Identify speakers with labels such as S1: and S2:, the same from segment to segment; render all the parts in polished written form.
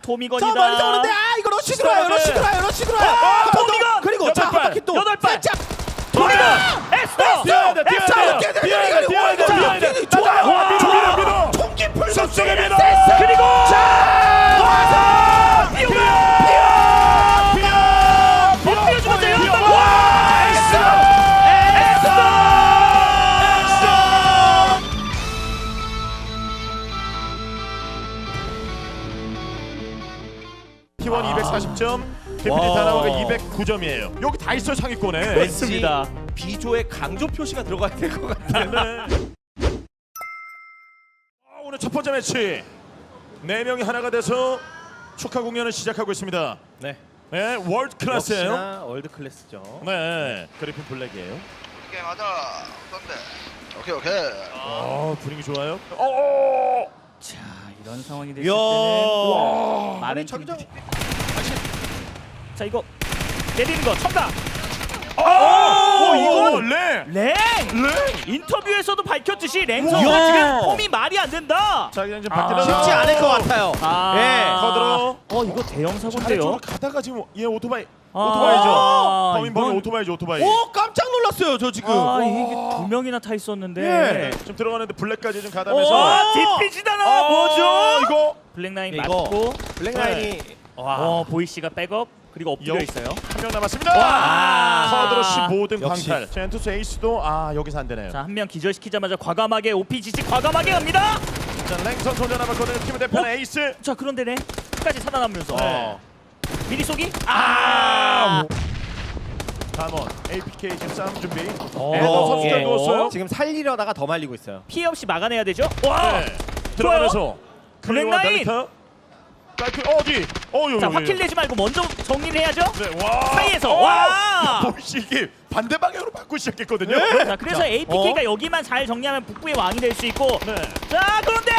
S1: 토미건이다.
S2: 저 멀리서 오는데 이거 러시 들어와요. 러시 들어와요.
S1: 토미건!
S2: 그리고 자, 한 바퀴 또
S1: 8발!
S2: 살짝
S1: 토미건! 에스더!
S2: 뛰어야 돼. 좋아요. 총기 불속속에
S1: 그리고
S2: 와서
S1: 엎드려 죽었어요.
S3: T1 240점, 데피니 다나와가 209점이에요. 여기 다 있어요 상위권에.
S1: 맞습니다.
S2: 비조의 강조 표시가 들어가야 될 것 같아요.
S3: 네. 오늘 첫 번째 매치 4명이 하나가 돼서 축하 공연을 시작하고 있습니다.
S2: 네.
S3: 네, 월드 클래스예요.
S2: 역시나 월드 클래스죠.
S3: 네, 그리핀 블랙이에요.
S4: 이게 맞아. 어떤데? 오케이.
S3: 분위기 좋아요. 오!
S1: 자, 이런 상황이 됐을
S2: 이야.
S1: 때는 많은
S2: 자기장.
S1: 팀들이 자, 이거 내리는 거 첨가.
S3: 이거 네.
S1: 랭! 인터뷰에서도 밝혔듯이 랭
S2: 우와.
S1: 선수가 지금 폼이 말이 안 된다.
S3: 자, 그냥 좀 밖에
S2: 쉽지 않을 것 같아요.
S3: 커들어.
S1: 이거 대형 사고인데요.
S3: 아래쪽으로 가다가 지금 얘 오토바이죠.
S1: 아,
S3: 범인
S1: 이건-
S3: 오토바이죠, 오토바이.
S2: 오 깜짝 놀랐어요 저 지금.
S1: 이게 두 명이나 타 있었는데.
S3: 좀 들어가는데 블랙까지 좀
S1: 오,
S3: 가다면서.
S1: 뒷빛이잖아. 뭐죠?
S3: 이거
S1: 블랙라인
S2: 이거
S1: 맞고.
S2: 블랙라인이
S1: 보이 씨가 백업 그리고 엎드려 있어요.
S3: 한 명 남았습니다.
S1: 와.
S3: 커드로 15등
S2: 역시.
S3: 광탈. 젠투스 에이스도 여기서 안 되네요.
S1: 자, 한 명 기절시키자마자 과감하게 OPGC 과감하게 갑니다.
S3: 자, 랭선 혼자 남았거든요. 팀을 대표하는 에이스.
S1: 자, 그런데네 끝까지 살아남으면서
S3: 네.
S1: 미리 쏘기.
S3: 담원 APK 지금 싸움 준비.
S1: 어.
S3: 에더 선수가
S1: 예.
S3: 누웠어요.
S2: 지금 살리려다가 더 말리고 있어요.
S1: 피해 없이 막아내야 되죠. 와.
S3: 네. 들어가면서
S1: 블랙라인.
S3: 달리카. 라이프 어디?
S1: 자, 화킬 내지 말고 먼저 정리를 해야죠.
S3: 네, 와.
S1: 사이에서 와.
S3: 보시 이게 반대 방향으로 바꾸고 시작했거든요.
S1: 자, 그래서 APK가 여기만 잘 정리하면 북부의 왕이 될 수 있고.
S3: 네.
S1: 자, 그런데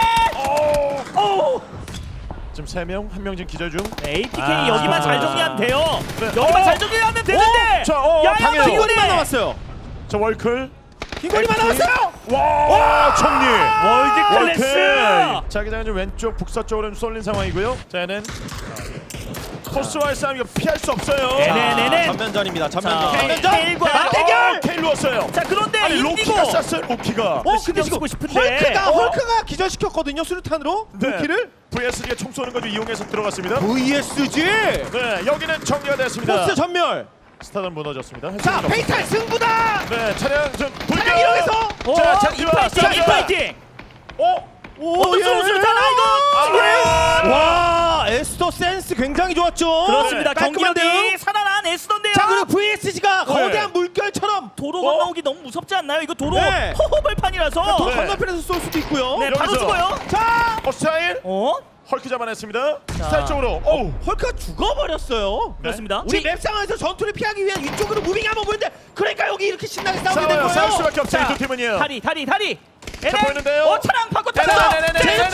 S3: 지금 3명, 1명 지금 기절 중.
S1: 네, APK 여기만 잘 정리하면 돼요.
S3: 네.
S1: 여기만 잘 정리하면 되는데.
S3: 자,
S1: 야야,
S2: 빈거리만 남았어요.
S3: 자, 월클.
S2: 빈거리만 남았어요.
S3: 와, 정리.
S1: 월드 클래스.
S3: 자기장은 좀 왼쪽 북서쪽으로 좀 쏠린 상황이고요. 자, 얘는 포스와의 싸움 이거 피할 수 없어요.
S1: 네네네.
S2: 전면전입니다.
S1: 자,
S2: 전면전.
S1: 케일과
S2: 맞대결!
S3: 케일 누웠어요.
S1: 자, 그런데
S3: 아니,
S1: 인디고
S3: 로키가 쐈어요, 로키가.
S2: 근데
S1: 신경
S2: 지금
S1: 쓰고 싶은데.
S2: 헐크가 기절시켰거든요. 수류탄으로. 키를
S3: VSG가 총 쏘는 거 좀 이용해서 들어갔습니다.
S2: VSG.
S3: 네, 여기는 정리가 됐습니다.
S2: 포스 전멸.
S3: 스타는 무너졌습니다.
S2: 자, 페이탈 승부다.
S3: 네, 차량 좀 불겨.
S2: 차량 이용해서.
S3: 자, 장기와
S1: 인파이팅.
S2: 어떤
S1: 수류탄 이거.
S2: 와, 에스더 센스 굉장히 좋았죠.
S1: 그렇습니다.
S2: 깔끔한데요?
S1: 경기력이 살아난 에스던데요.
S2: 자, 그리고 VSG가 거대한 물결처럼
S1: 도로 건너오기 너무 무섭지 않나요? 이거 도로
S2: 네.
S1: 허허벌판이라서.
S2: 또
S3: 네.
S2: 건너편에서 쏠 수도 있고요.
S1: 네, 바로
S3: 여기서.
S1: 죽어요.
S2: 자,
S3: 스타일. 헐크 잡아냈습니다. 스타일 쪽으로. 오.
S2: 헐크가 죽어버렸어요.
S1: 그렇습니다.
S2: 우리 맵 상황에서 전투를 피하기 위한 위쪽으로 무빙 한번 보는데 그러니까 여기 이렇게 신나게 싸우게 된
S3: 싸워요. 싸울
S2: 거예요.
S3: 수밖에 없어요.
S1: 자,
S3: 이두 팀은요.
S1: 다리.
S3: 자, 보이는데요?
S1: 차량 바꿔 탔어.
S3: 네네네네네네.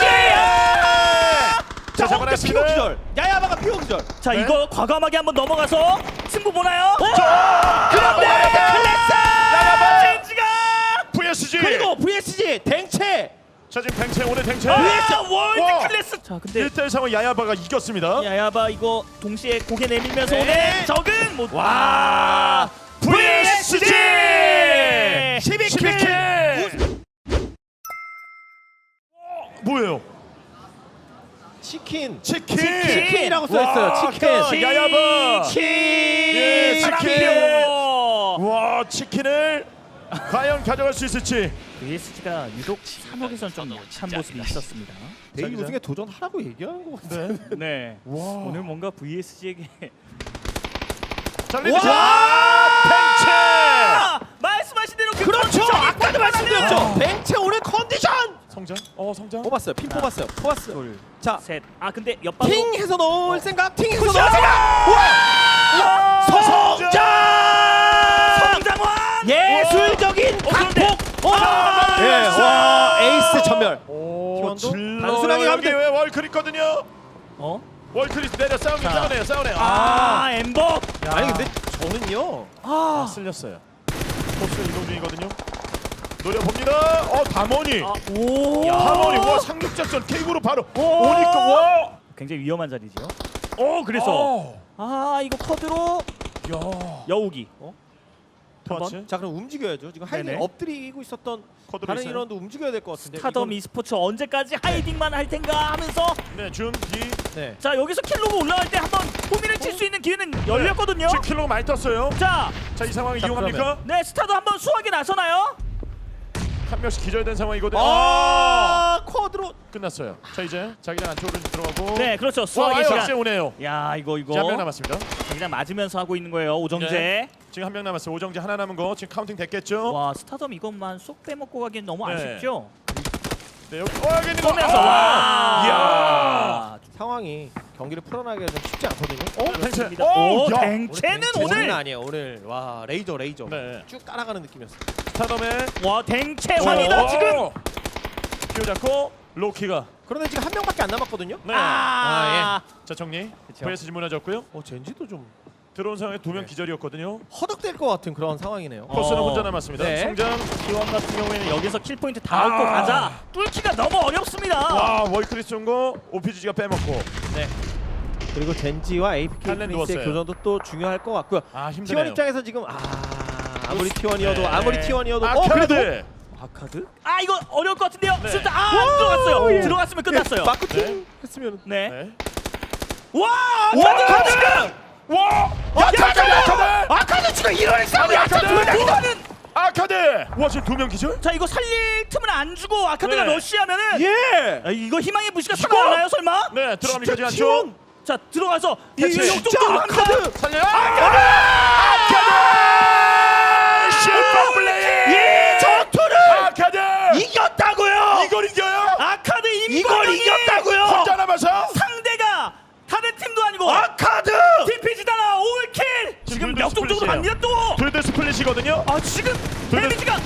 S3: 자,
S2: 자, 엉대 피오
S3: 잡아냈습니다.
S2: 기절. 야야바가 피오 기절.
S1: 자,
S3: 네.
S1: 이거 과감하게 한번 넘어가서 승부 보나요?
S2: 그런데
S3: 나가봐.
S1: 젠지가
S3: VSG.
S2: 그리고 VSG 댕채.
S3: 자, 지금 댕채 오늘 댕채.
S1: 월드 클래스. 자, 근데
S3: 1대1 상황 야야바가 이겼습니다.
S1: 야야바 이거 동시에 고개 내밀면서
S2: 네.
S1: 오네. 적응 못.
S3: 와. VSG.
S2: 12킬.
S3: 뭐예요?
S2: 치킨.
S3: 치킨이라고
S2: 써있어요. 치킨.
S3: 야야바. 예, 치킨.
S1: 와.
S3: 와, 치킨을 과연 가져갈 수 있을지.
S1: VSG가 유독 3억에선 좀 못한 모습이 있었습니다.
S2: 데이 우승에 도전하라고 얘기하는 것 같아요.
S1: 네.
S3: 와.
S1: 오늘 뭔가 VSG에게
S3: 자, 리드. 탱채.
S1: 말씀하신 대로 그
S2: 그렇죠.
S1: 컨디션이
S2: 아까도 말씀드렸죠. 뱅채 오늘 컨디션.
S3: 성장. 성장.
S2: 뽑았어요. 핀 뽑았어요. 뽑았어요.
S1: 둘,
S2: 자,
S1: 셋. 아, 근데 옆방
S2: 팅 해서 넣을 생각. 팅 해서 넣을
S1: 굿샷!
S2: 생각. 와! 성장!
S1: 성장환.
S2: 예술적인
S1: 그런데
S2: 각폭. 예, 와, 에이스 전멸.
S3: 오,
S2: 단순하게
S3: 단순하게
S2: 가면
S3: 여기
S2: 돼.
S3: 왜 월클 있거든요.
S1: 어?
S3: 월클이 내려 싸우긴
S1: 자.
S3: 싸우네요.
S1: 아, 엠버.
S2: 아니 근데 저는요.
S3: 쓸렸어요. 포스 이동 중이거든요. 노려봅니다. 담원이.
S1: 오.
S3: 담원이 와 상륙작전 케이크로 바로
S1: 오.
S3: 오니까 와.
S1: 굉장히 위험한 자리죠. 그래서 이거 커드로
S3: 야.
S1: 여우기.
S3: 터치.
S2: 자 그럼 움직여야죠. 지금 하이딩
S1: 네네.
S2: 엎드리고 있었던
S3: 코드로
S2: 다른
S3: 있어요.
S2: 인원도 움직여야 될 것 같은데.
S1: 스타덤 e스포츠 언제까지 하이딩만 할 텐가 하면서
S3: 네, 준 뒤.
S2: 네.
S1: 자 여기서 킬로그 올라갈 때 한번 호미를 칠 수 있는 기회는 열렸거든요.
S3: 지금 킬로가 많이 떴어요.
S1: 자,
S3: 자, 이 상황
S2: 자,
S3: 이용합니까?
S1: 네 스타도 한번 수하게 나서나요?
S3: 한 명씩 기절된 상황이거든요.
S2: 쿼드로.
S3: 끝났어요. 자, 이제 자기장 안쪽으로 좀 들어가고.
S1: 네, 그렇죠.
S3: 와,
S1: 수학의
S3: 역시
S1: 시간.
S3: 오네요.
S1: 야, 이거
S3: 자, 한 명 남았습니다.
S1: 그냥 맞으면서 하고 있는 거예요, 오정재.
S3: 네. 지금 한 명 남았어요. 오정재 하나 남은 거 지금 카운팅 됐겠죠?
S1: 와, 스타덤 이것만 쏙 빼먹고 가기엔 너무
S3: 네.
S1: 아쉽죠.
S3: 네, 여기 여기 있는 거.
S1: 쏘면서 와.
S2: 상황이 경기를 풀어나기가 좀 쉽지 않거든요.
S3: 댕채.
S1: 그렇습니다.
S3: 오, 야.
S1: 댕채는
S2: 오늘
S1: 오늘
S2: 아니에요. 오늘 와 레이저.
S3: 네.
S2: 쭉 따라가는 느낌이었어요.
S3: 스타덤의
S1: 와, 댕채환이다 지금.
S3: 기어 잡고 로키가.
S2: 그런데 지금 한 명밖에 안 남았거든요.
S3: 네. 자, 정리.
S1: 그쵸.
S3: VSG 무너졌고요.
S2: 젠지도 좀
S3: 들어온 상황에 두 명
S2: 네.
S3: 기절이었거든요.
S2: 허덕될 것 같은 그런 상황이네요.
S3: 코스는 혼자 남았습니다.
S2: 네.
S3: 성장.
S1: T1 같은 경우에는 여기서 킬 포인트 다 얻고 가자. 뚫기가 너무 어렵습니다.
S3: 와, 월크리스 온 거 OPG가 빼먹고.
S2: 네. 그리고 젠지와 APK
S3: 칼렌
S2: 프린스의
S3: 누웠어요.
S2: 교전도 또 중요할 것 같고요.
S3: 아,
S2: T1
S3: 힘드네요.
S2: 입장에서 지금 아무리 T1이어도
S3: 네.
S2: 아무리 T1이어도
S3: 그래도
S1: 아카드? 이거 어려울 것 같은데요.
S3: 네.
S1: 진짜 안 들어갔어요.
S2: 예.
S1: 들어갔으면 끝났어요.
S2: 마크팅
S3: 네.
S2: 했으면
S1: 네.
S3: 네.
S1: 와,
S3: 아카드! 와!
S2: 아카드 지금 이런 싸움이
S3: 아카드!
S1: 뭐하는?
S3: 아카드! 와, 지금 두 명 기절?
S1: 자, 이거 살릴 틈을 안 주고 아카드가
S3: 네.
S1: 러시하면은
S2: 예.
S1: 이거 희망의 부시가 살아나요, 설마?
S3: 네, 들어갑니까 지금
S2: 진짜
S3: 안쪽?
S1: 자, 들어가서
S3: 대체
S1: 역동적으로 합니다.
S3: 살려요! 아카드! 슈퍼플레이!
S2: 이 전투를
S3: 아카드!
S2: 이겼다고요.
S3: 이걸 이겨요?
S1: 아카드
S2: 이걸
S1: 임건영이
S2: 이겼다고요.
S3: 혼자 남아서?
S1: 상대가 다른 팀도 아니고
S2: 아카드.
S1: TPG잖아. 올킬. 지금
S3: 둘다
S1: 역동적으로
S3: 스플릿이에요.
S1: 갑니다 또.
S3: 둘다 스플릿이거든요?
S1: 지금
S3: 둘 다-
S1: 데미지가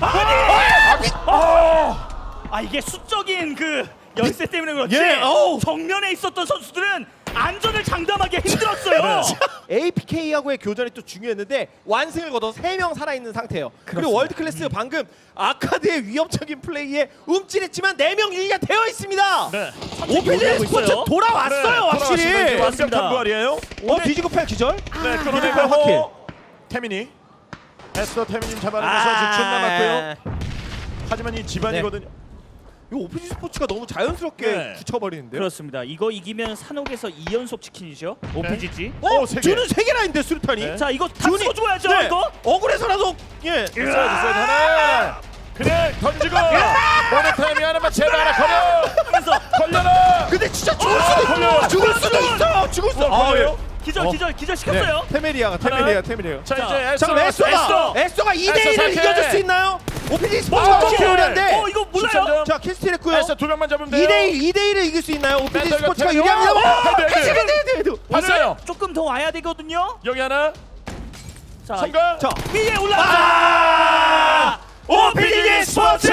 S1: 이게 수적인 그 열세 때문에 그렇지.
S2: 예,
S1: 정면에 있었던 선수들은 안전을 장담하기 힘들었어요.
S2: APK하고의 교전이 또 중요했는데 완승을 거둬 3명 살아있는 상태예요. 그리고 월드클래스 방금 아카드의 위협적인 플레이에 움찔했지만 4명 유리가 되어 있습니다.
S3: 네.
S2: 오피지
S1: 올라오고
S2: 스포츠
S1: 있어요.
S2: 돌아왔어요. 확실히.
S3: 완벽한
S1: 맞습니다.
S3: 부활이에요.
S2: 뒤지고 팔 기절.
S3: 네,
S2: 하킬.
S3: 끌어내고 태민이 에스더 태민님 잡아내면서 지금 쭉 남았고요. 하지만 이 집안이거든요.
S2: 이 오피지 스포츠가 너무 자연스럽게
S3: 네.
S2: 굳혀버리는데요.
S1: 그렇습니다. 이거 이기면 산옥에서 2연속 치킨이죠. OPGG.
S3: 세 개.
S2: 주는 3개나 있는데 수류탄이.
S3: 네.
S1: 자, 이거 다
S2: 준이-
S1: 쓰고 줘야죠.
S2: 네.
S1: 이거.
S2: 억울해서라도 예.
S3: 있어요 하나. 그냥 던지고 모니타임이 하나만 제발 하나 걸려.
S1: 하면서
S3: 걸려라.
S2: 근데 진짜 죽을 수도
S3: 걸려요.
S2: 있어. 죽을 수도 있어. 죽을 수.
S3: 걸려요.
S1: 기절 시켰어요.
S2: 테메리아가 테메리아.
S3: 자,
S1: 자,
S3: 이제
S2: 자, 그럼 에스토가
S3: 에스더
S2: 2대1을
S3: 에스더
S2: 이겨줄
S3: 사케.
S2: 수 있나요? 오피지 스포츠가
S3: 오케이.
S2: 너무 유리한데.
S1: 이거 몰라요.
S2: 자, 킬스틸 했고요.
S3: 에스더 두 명만 잡으면 돼요.
S2: 2대1을 이길 수 있나요? 오피지
S3: 멘탈
S2: 스포츠가
S3: 같아요.
S2: 유리합니다.
S3: 헤드. 봤어요.
S1: 조금 더 와야 되거든요.
S3: 여기 하나.
S1: 자,
S3: 성공.
S2: 자,
S1: 위에 올라가.
S3: 오피지 스포츠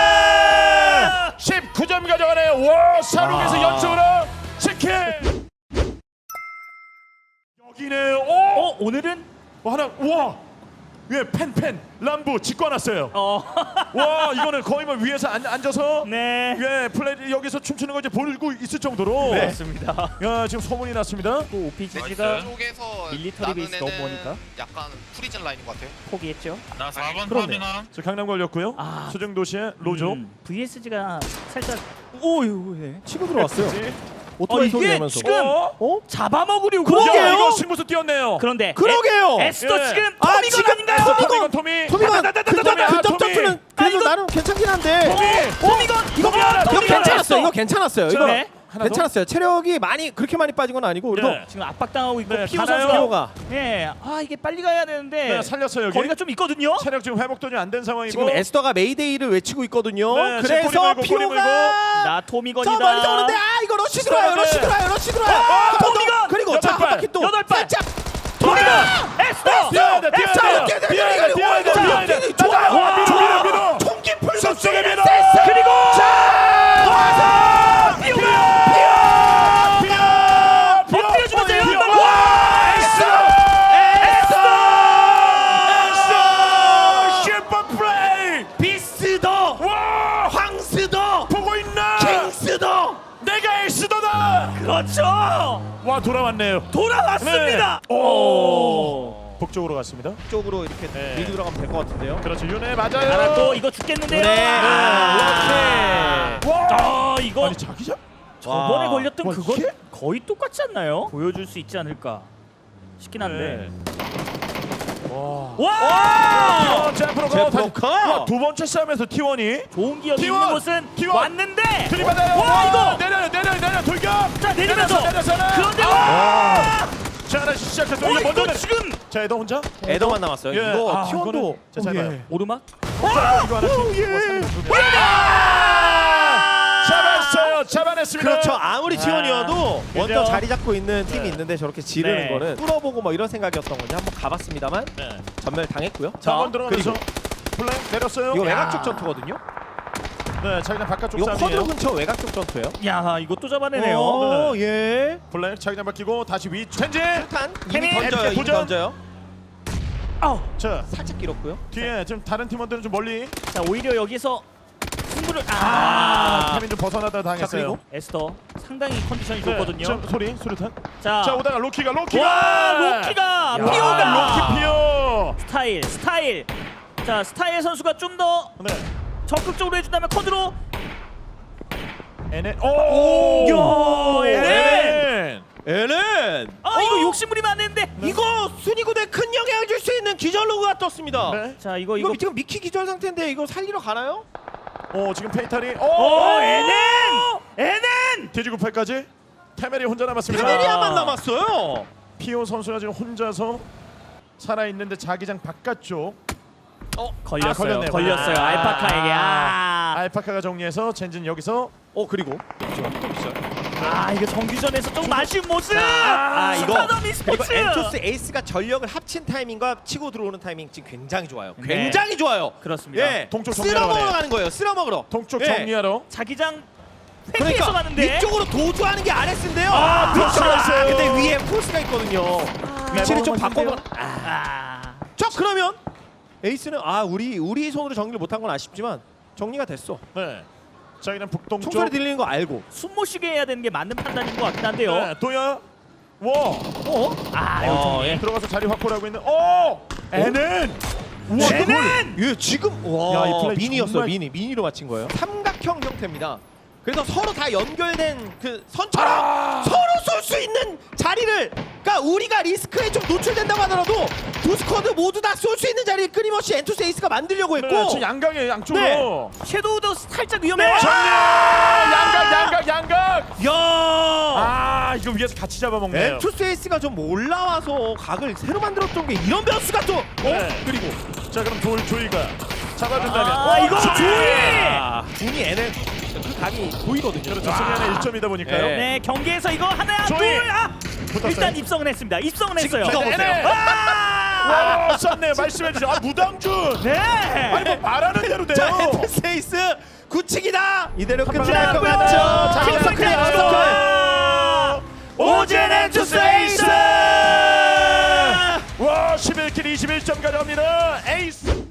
S3: 19점 가져가네요. 와, 산옥에서 연속으로 치킨. 여기네요. 오.
S1: 오늘은
S3: 하나. 와. 예, 펜 람부 직관왔어요. 와, 이거는 거의 뭐 위에서 앉아서
S1: 네.
S3: 예, 플레이 여기서 춤추는 거 이제 보고 있을 정도로.
S1: 그렇습니다.
S3: 야, 지금 소문이 났습니다.
S1: 또 OPGG가
S4: 쪽에서
S1: 밀리터리 베이스 너무 머니까
S4: 약간 프리즌 라인인 것 같아요.
S1: 포기했죠.
S5: 나 4번
S2: 그렇네요.
S5: 터미널.
S3: 저 강남 걸렸고요. 수정 도시의 로조.
S1: VSG가 살짝 오유 네.
S2: 치고 들어왔어요.
S3: 그치?
S2: 오토바이 소리
S1: 이게
S2: 내면서.
S1: 지금
S3: 어?
S1: 잡아먹으려고.
S3: 야, 이거 승부수 뛰었네요.
S1: 그런데
S2: 그러게요.
S1: 에스더
S3: 예.
S1: 지금
S2: 아,
S1: 토미건
S2: 지금
S1: 아닌가요?
S3: 토미건 토미.
S2: 토미건
S3: 토미, 아,
S2: 근접
S3: 토미.
S2: 점프는 그래도
S1: 이거-
S2: 나름 괜찮긴 한데.
S1: 토미건
S3: 이거 뭐야?
S2: 이거
S3: 토미건
S2: 괜찮았어요. 이거 괜찮았어요. 이거
S1: 네.
S3: 하나 더?
S2: 괜찮았어요. 체력이 그렇게 많이 빠진 건 아니고 그래도
S3: 네.
S1: 지금 압박당하고 있고
S3: 네,
S1: 피오
S3: 가나요?
S1: 선수가
S2: 피오가
S1: 예. 이게 빨리 가야 되는데
S3: 네, 살렸어요, 여기.
S1: 거리가 좀 있거든요.
S3: 체력 지금 회복도 좀 안 된 상황이고.
S2: 지금 에스더가 메이데이를 외치고 있거든요.
S3: 네, 지금
S2: 그래서
S3: 꼬리 물고, 꼬리
S2: 피오가
S1: 나
S2: 저
S1: 토미건이다.
S2: 멀리서 오는데 이거 러시 들어와요. 러시 들어와요.
S1: 토미건!
S2: 그리고
S3: 여덟
S2: 자
S3: 발!
S2: 한 바퀴 또
S1: 8발!
S2: 살짝
S1: 토미건! 에스더!
S3: 뛰어야 돼, 뛰어야 돼. 뛰어야 돼, 뛰어야 돼, 뛰어야 돼.
S2: 좋아요.
S3: 와, 밀어, 밀어.
S2: 총기 풀
S3: 쏙쏙에 밀어.
S1: 그리고
S3: 자,
S1: 엎드려주면서
S3: 피오.
S1: 연방!
S3: 와, 에스더 슈퍼 플레이.
S2: 비스더
S3: 와,
S2: 황스더
S3: 보고 있나?
S2: 킹스더
S3: 내가 에이스더다.
S1: 그렇죠.
S3: 와 돌아왔네요.
S1: 돌아왔습니다.
S3: 네. 오. 북쪽으로 갔습니다.
S2: 쪽으로 이렇게
S3: 네.
S2: 밀고 들어가면 될 것 같은데요.
S3: 그렇죠. 윤혜 맞아요.
S1: 하나 또 이거 죽겠는데요.
S2: 네.
S1: 아,
S3: 와.
S1: 이거
S3: 아니 자기장?
S1: 저번에
S2: 와.
S1: 걸렸던
S3: 와,
S1: 그거
S3: 이게?
S1: 거의 똑같지 않나요? 보여줄 수 있지 않을까 싶긴 한데. 와!
S3: 잼프로
S2: 잼프로커!
S3: 두 번째 싸움에서 T1이
S1: 좋은 기억이
S3: T1!
S1: 있는 곳은
S3: T1!
S1: 왔는데.
S3: 들이받아요.
S1: 와 이거.
S3: 내려 돌격.
S1: 자 내리면서.
S3: 내렸잖아.
S1: 그런데
S3: 아.
S1: 와.
S3: 자 하나 시작했어.
S1: 이거
S3: 먼저
S1: 지금
S3: 자 에더 혼자.
S2: 에더만 남았어요.
S3: 예.
S2: 이거
S3: 아,
S2: T1도
S3: 이거는- 자, 잘 봐요.
S1: 오르막.
S3: 자, 이거 하나씩. 잡아냈습니다.
S2: 그렇죠. 아무리 T1이어도 먼저
S1: 그죠?
S2: 자리 잡고 있는 팀이 있는데 저렇게 지르는
S1: 네.
S2: 거는 뚫어보고 뭐 이런 생각이었던 건지 한번 가봤습니다만
S3: 네.
S2: 전멸 당했고요.
S3: 자, 한번 들어가면서
S2: 그리고
S3: 플레이 내렸어요.
S2: 이거
S3: 야.
S2: 외곽 쪽 전투거든요.
S3: 네, 자기장 바깥쪽
S2: 이거
S3: 싸움이에요.
S2: 쿼드로 근처 외곽 쪽 전투예요.
S1: 야 이것도 잡아내네요.
S2: 어,
S3: 네.
S2: 예.
S3: 플레이 자기장 바뀌고 다시 위 전진.
S2: 탄 이미
S1: 혜민,
S2: 던져요. 이미
S3: 도전.
S2: 던져요.
S1: 아우.
S3: 자,
S2: 살짝 길었고요.
S3: 뒤에 지금 다른 팀원들은 좀 멀리.
S1: 자 오히려 여기서 승부를
S3: 타민 좀 벗어나다 당했어요.
S2: 그리고?
S1: 에스더 상당히 컨디션이
S3: 네,
S1: 좋거든요.
S3: 자, 수류탄.
S1: 자,
S3: 자, 오다가 로키가
S1: 와 로키가
S3: 야,
S1: 피오가
S3: 로키 피오.
S1: 스타일. 자 스타일 선수가 좀 더
S3: 네.
S1: 적극적으로 해준다면 커드로.
S3: NN. 오!
S1: 야, NN.
S2: 에렌.
S1: 아 이거 욕심부리면 안 되는데.
S2: 이거 순위 구도에 큰 영향을 줄 수 있는 기절 로그가 떴습니다.
S3: 네.
S1: 자 이거
S2: 이거 지금 미키 기절 상태인데 이거 살리러 가나요?
S3: 지금 페이탈이.
S1: NN.
S3: 돼지98까지. 테메리 혼자 남았습니다.
S2: 테메리아만 남았어요.
S3: 피오 선수가 지금 혼자서 살아 있는데 자기장 바깥쪽.
S1: 걸렸어요.
S3: 걸렸네요.
S1: 걸렸어요.
S3: 아.
S1: 알파카에게.
S3: 알파카가 정리해서 젠진 여기서
S2: 그리고
S1: 이거 정규전에서 조금 아쉬운 모습.
S2: 이거
S1: 스타덤
S2: 그리고
S1: e스포츠.
S2: 엔토스 에이스가 전력을 합친 타이밍과 치고 들어오는 타이밍 지금 굉장히 좋아요.
S1: 네.
S2: 굉장히 좋아요.
S1: 그렇습니다.
S2: 예,
S3: 동쪽
S2: 쓸어
S3: 정리하러
S2: 먹으러
S3: 가네요.
S2: 가는 거예요. 쓸어 먹으러.
S3: 동쪽
S2: 예.
S3: 정리하러.
S1: 자기장 횡계에서
S2: 그러니까
S1: 가는데.
S2: 위쪽으로 도주하는 게 RS인데요.
S3: 도주가 있어요.
S2: 근데 위에 폴스가 있거든요. 위치를 좀 바꿔봐. 자 그러면 에이스는 우리 손으로 정리를 못한 건 아쉽지만 정리가 됐어.
S3: 네. 자기장 북동쪽.
S2: 총소리 들리는 거 알고.
S1: 숨 못 쉬게 해야 되는 게 맞는 판단인 것 같긴 한데요.
S3: 네, 도야. 와.
S1: 이거 정리.
S3: 들어가서 자리 확보를 하고 있는. NN. 우와,
S1: NN!
S2: 예, 지금
S3: 야, 이 플레이
S2: 미니였어요.
S3: 정말-
S2: 미니로 맞힌 거예요. 삼각형 형태입니다. 그래서 서로 다 연결된 그 선처럼 서로 쏠 수 있는 자리를, 그러니까 우리가 리스크에 좀 노출된다고 하더라도 두 스쿼드 모두 다 쏠 수 있는 자리를 끊임없이 엔투스 에이스가 만들려고 했고.
S3: 네, 지금 양강에 양쪽으로.
S1: 섀도우도 살짝 위험해요.
S3: 정리! 양각!
S2: 야!
S3: 이거 위에서 같이 잡아먹네요.
S2: 엔투스 에이스가 좀 올라와서 각을 새로 만들었던 게 이런 변수가 또.
S3: 네.
S2: 그리고
S3: 자, 그럼 조이가 잡아준다면.
S1: 이거 조이!
S2: 준이 NL 그 각이 보이거든요.
S3: 그렇죠. 승리하는 1점이다 보니까요.
S2: 네.
S1: 네 경기에서 이거 하나
S3: 조이!
S1: 둘
S3: 붙었어요.
S1: 일단 입성은 했습니다. 입성은
S2: 지금
S1: 했어요.
S2: 이거 보세요.
S3: NL. 와, 썼네요. 말씀해주죠. 무당준.
S1: 네.
S3: 아니 뭐 말하는 대로 돼요.
S2: 자, 엔투스 에이스 구치기다. 이대로
S3: 번
S2: 끝날 것
S3: 남았고요.
S2: 같죠.
S3: 자,
S2: 킬스
S3: 킬스
S2: 클리어.
S3: 클리어.
S2: 오젠 엔투스 에이스.
S3: 와, 11킬 21점 가져갑니다. 에이스.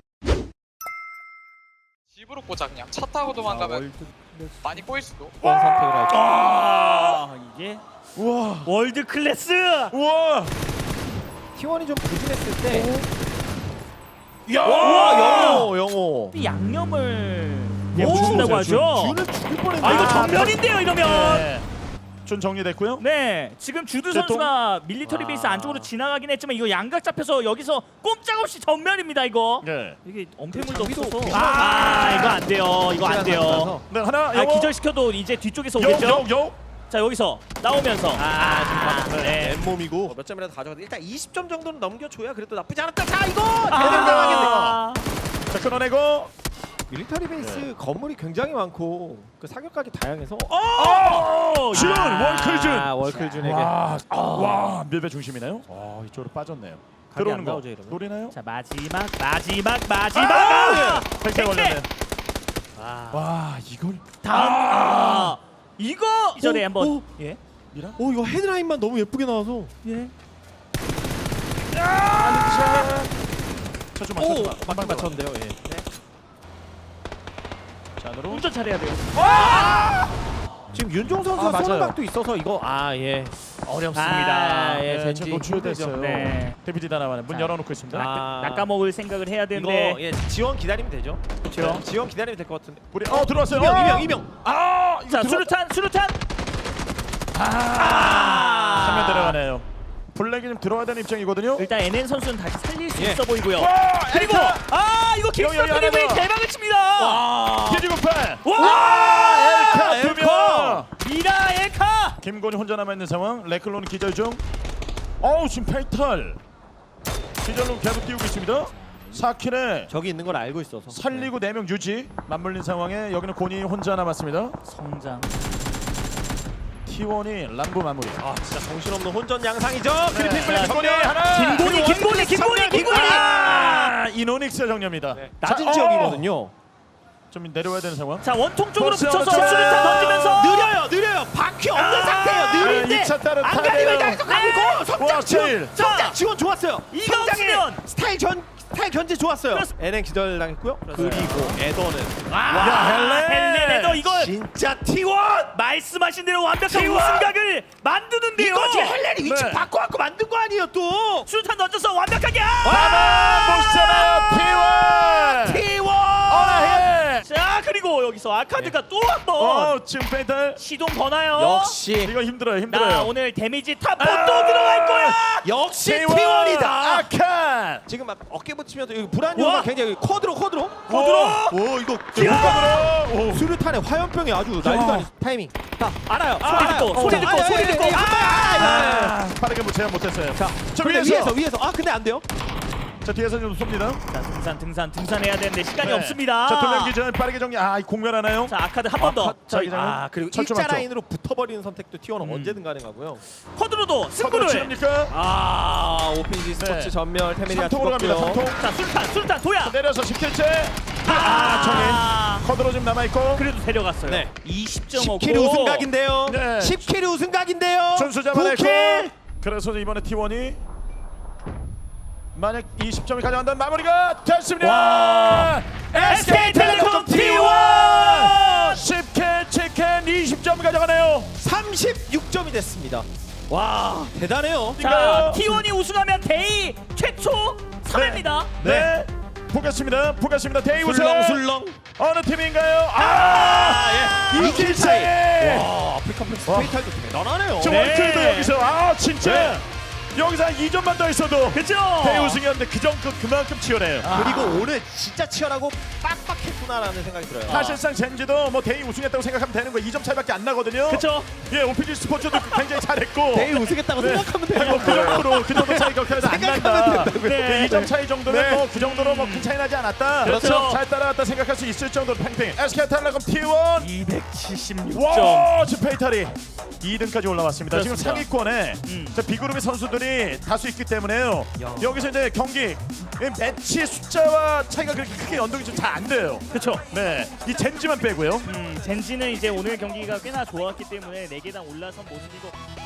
S4: 집으로 꽂아 그냥 차 타고 도망가면 많이 꼬일 수도.
S2: 선택을 할죠.
S1: 이게
S3: 우와.
S1: 월드 클래스.
S3: 우와.
S2: T1이 좀 부진했을 때.
S3: 야.
S2: 영호.
S1: 양념을
S3: 오,
S1: 붙인다고 하죠.
S2: 준을 죽일 뻔했네.
S1: 이거 정면인데요 이러면.
S3: 네. 준 정리됐고요.
S1: 네, 지금 주두
S3: 제
S1: 선수가 밀리터리 베이스 안쪽으로 지나가긴 했지만 이거 양각 잡혀서 여기서 꼼짝없이 전면입니다 이거.
S3: 네.
S1: 이게 엄폐물도
S2: 장비도
S1: 없어서.
S2: 비싼
S1: 이거 안 돼요. 이거 안 돼요.
S3: 네, 하나.
S1: 기절시켜도 이제 뒤쪽에서 오겠죠.
S3: 요.
S1: 자 여기서 나오면서. 네.
S2: 맨몸이고 몇 점이라도 가져가도 일단 20점 정도는 넘겨줘야 그래도 나쁘지 않았다. 자 이거 대단하겠네.
S3: 자, 끊어내고.
S2: 밀리터리 베이스 건물이 굉장히 많고 그 사격각이 다양해서.
S3: 준 월클준.
S2: 월클준에게.
S3: 와, 밀배 중심이네요. 이쪽으로 빠졌네요. 들어오는
S2: 안
S3: 거
S2: 나오죠, 이러면?
S3: 노리나요?
S1: 자 마지막.
S3: 팩트 걸렸네. 와, 이걸
S1: 다음. 이거 이전에 한번. 예.
S3: 미라?
S2: 이거 헤드라인만 너무 예쁘게 나와서.
S1: 예.
S3: 쳐주마.
S2: 맞게 맞췄는데요. 예.
S3: 자, 안으로.
S1: 운전 잘해야 돼요.
S2: 지금 윤종 선수가
S3: 맞아요.
S2: 쏘는 각도 있어서 이거
S1: 어렵습니다.
S2: 예,
S3: 네,
S2: 젠지
S3: 지금 노출됐어요.
S1: 네.
S3: 데뷔지 다나와는 문
S1: 자,
S3: 열어놓고 있습니다.
S1: 낚아먹을 생각을 해야
S2: 이거
S1: 되는데
S2: 지원 기다리면 되죠.
S1: 그렇죠.
S2: 지원 기다리면 될 것 같은데.
S3: 우리 들어왔어요.
S2: 이명.
S3: 아, 이거
S1: 자
S3: 들어-
S1: 수류탄
S3: 화면 들어가네요. 블랙이 좀 들어와야 되는 입장이거든요.
S1: 일단 NN 선수는 다시 살릴 수
S2: 예.
S1: 있어 보이고요.
S3: 와,
S1: 그리고
S3: 엘카!
S1: 이거 킥스
S3: 여기
S1: 드리블이
S3: 하나 더.
S1: 대박을 칩니다.
S3: 기지국팔.
S1: 와!
S3: 엘카 두 명.
S1: 미라 엘카.
S3: 김곤이 혼자 남아 있는 상황. 레클론은 기절 중. 지금 페이탈. 기절로 계속 뛰고 있습니다. 4킬에
S2: 저기 있는 걸 알고 있어서
S3: 살리고 4명 유지. 맞물린 상황에 여기는 곤이 혼자 남았습니다.
S1: 성장.
S3: T1이 람보 마무리.
S2: 진짜 정신없는 혼전 양상이죠.
S3: 그리핀
S2: 그리핀
S3: 블랙
S2: 블랙
S3: 김곤이 하나.
S1: 김곤이.
S3: 이노닉스의 정리입니다.
S2: 낮은
S3: 자,
S2: 지역이거든요.
S3: 좀 내려와야 되는 상황.
S1: 자 원통 쪽으로
S3: 벌써
S1: 붙여서
S3: 자,
S1: 수류탄 던지면서
S2: 느려요. 바퀴 없는 상태예요. 느린데
S3: 2차 따른
S2: 안 가리면
S3: 타네요.
S2: 계속 가고 있고
S3: 와,
S2: 성장
S3: 제일.
S2: 성장 지원 좋았어요.
S1: 이거
S2: 성장의
S1: 없으면
S2: 스타일 견제 좋았어요.
S1: 그렇습니다.
S2: NN 기절 당했고요. 그리고 에더는
S3: 야,
S1: 헬렌에도 이걸
S2: 진짜 T1
S1: 말씀하신 대로 완벽한
S2: T1!
S1: 우승각을 만드는데요.
S2: 이거 지금 헬렌이 위치
S3: 네.
S2: 바꿔갖고 만든 거 아니에요 또.
S1: 수류탄 던져서 완벽하게.
S3: 못 잡아요. T1.
S2: T1
S3: 어라해.
S1: 자 그리고 여기서 아카드가 또 한 번
S3: 지금 페이탈.
S1: 시동 거나요?
S2: 역시
S3: 이거 힘들어요.
S1: 나 오늘 데미지 탑4 또 들어갈 거야.
S2: 역시
S3: T1
S2: T1이다.
S3: 아칸.
S2: 지금 막 어깨 붙이면서 불안요가
S1: 와.
S2: 굉장히 쿼드로.
S3: 오 이거
S2: 야! 수류탄의 화염병이 아주 난리도 아니 타이밍. 다 알아요.
S1: 소리 듣고.
S3: 빠르게 뭐 제압 못했어요.
S2: 자,
S3: 저
S2: 근데
S3: 위에서.
S2: 위에서 근데 안 돼요.
S3: 자 뒤에서 좀 쏩니다.
S1: 자 등산해야 되는데 시간이
S3: 네.
S1: 없습니다.
S3: 자 투명 기전 빠르게 정리. 이 공멸하나요?
S1: 자 아카드 한 번 더.
S2: 그리고
S3: 철조
S2: 일자
S3: 맞죠?
S2: 라인으로 붙어버리는 선택도 T1은 언제든 가능하고요.
S1: 쿼드로도
S3: 서로
S1: 승부를.
S2: 칩니까? 오피지 스포츠
S3: 네.
S2: 전멸 테메리아
S3: 3통으로 갑니다.
S2: 죽었고요.
S3: 3통.
S1: 자 수류탄 도야.
S3: 내려서 10킬째. 정인. 커드로 지금 남아 있고.
S1: 그래도 데려갔어요.
S2: 네.
S1: 20.5.
S2: 10킬 우승각인데요.
S3: 네.
S2: 10킬 우승각인데요.
S3: 준수 잡아내고.
S2: 9킬.
S3: 그래서 이번에 T1이 만약 20점을 가져간다면 마무리가 됐습니다.
S1: SK텔레콤
S3: T1 10킬, 7킬, 20점 가져가네요.
S2: 36점이 됐습니다. 와 대단해요.
S1: 자 T1이 우승하면 데이 최초 3회입니다.
S3: 네. 보겠습니다. 데이 우승.
S2: 술렁.
S3: 어느 팀인가요?
S2: 예.
S3: 2킬 차이.
S2: 와 아프리카 플렉스
S3: 와.
S2: 페이탈도 대단하네요.
S3: 저
S1: 네.
S3: 원클도 여기서 진짜
S2: 네.
S3: 여기서 한 2점만 더 있어도
S1: 그죠?
S3: 대회 우승이었는데 그만큼 치열해요.
S2: 그리고 오늘 진짜 치열하고 빡빡했구나라는 생각이 들어요.
S3: 사실상 젠지도 뭐 대회 우승했다고 생각하면 되는 거예요. 2점 차이밖에 안 나거든요.
S1: 그쵸?
S3: 예, 오피지 스포츠도 굉장히 잘했고.
S2: 대회 우승했다고
S3: 네.
S2: 생각하면 돼요.
S3: 아니, 그 정도 차이 그렇게 해서 안 난다.
S2: 생각하면 된다고요.
S3: 네, 2점 차이 정도면
S2: 네.
S3: 뭐 그 정도로 뭐 큰 차이 나지 않았다.
S1: 그렇죠.
S3: 잘 따라왔다 생각할 수 있을 정도로 팽팽. SK텔레콤 T1.
S1: 276점.
S3: 와, 지금 페이탈이 2등까지 올라왔습니다. 지금
S1: 그렇습니다.
S3: 상위권에 자, B그룹의 선수들이 다수 있기 때문에요.
S2: 야.
S3: 여기서 이제 경기 매치 숫자와 차이가 그렇게 크게 연동이 좀 잘 안 돼요.
S1: 그쵸?
S3: 네, 이 젠지만 빼고요.
S1: 젠지는 이제 오늘 경기가 꽤나 좋았기 때문에 4개당 올라선 모습이고